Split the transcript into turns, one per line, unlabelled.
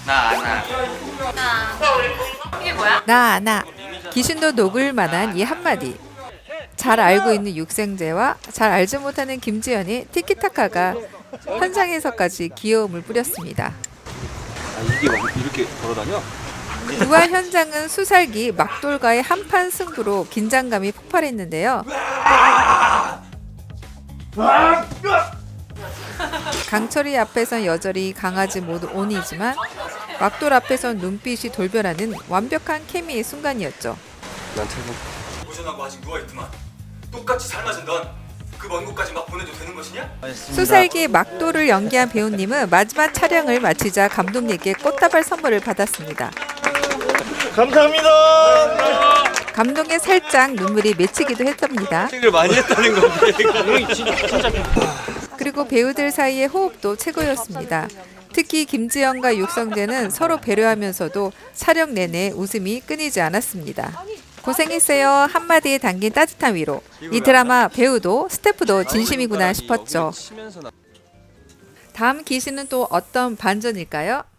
이게 뭐야?
나. 귀신도 녹을 만한 이 한마디. 잘 알고 있는 육생제와 잘 알지 못하는 김지연의 티키타카가 현장에서까지 귀여움을 뿌렸습니다.
이게 막 이렇게 걸어다녀?
부활 현장은 수살기 막돌과의 한판 승부로 긴장감이 폭발했는데요. 강철이 앞에선 여전히 강아지 모두 온이지만 막돌 앞에선 눈빛이 돌변하는 완벽한 케미의 순간이었죠.
난 최고.
고전하고 아직 누워있더만 똑같이 삶아진 넌 그 먼 곳까지 막 보내도 되는 것이냐?
수살기 막돌을 연기한 배우님은 마지막 촬영을 마치자 감독님께 꽃다발 선물을 받았습니다.
감사합니다.
감동에 살짝 눈물이 맺히기도 했답니다.
생을 많이 했다는 건데.
그리고 배우들 사이의 호흡도 최고였습니다. 특히 김지연과 육성재는 서로 배려하면서도 촬영 내내 웃음이 끊이지 않았습니다. 고생했어요 한마디에 담긴 따뜻한 위로. 이 드라마 배우도 스태프도 진심이구나 싶었죠. 다음 기신은 또 어떤 반전일까요?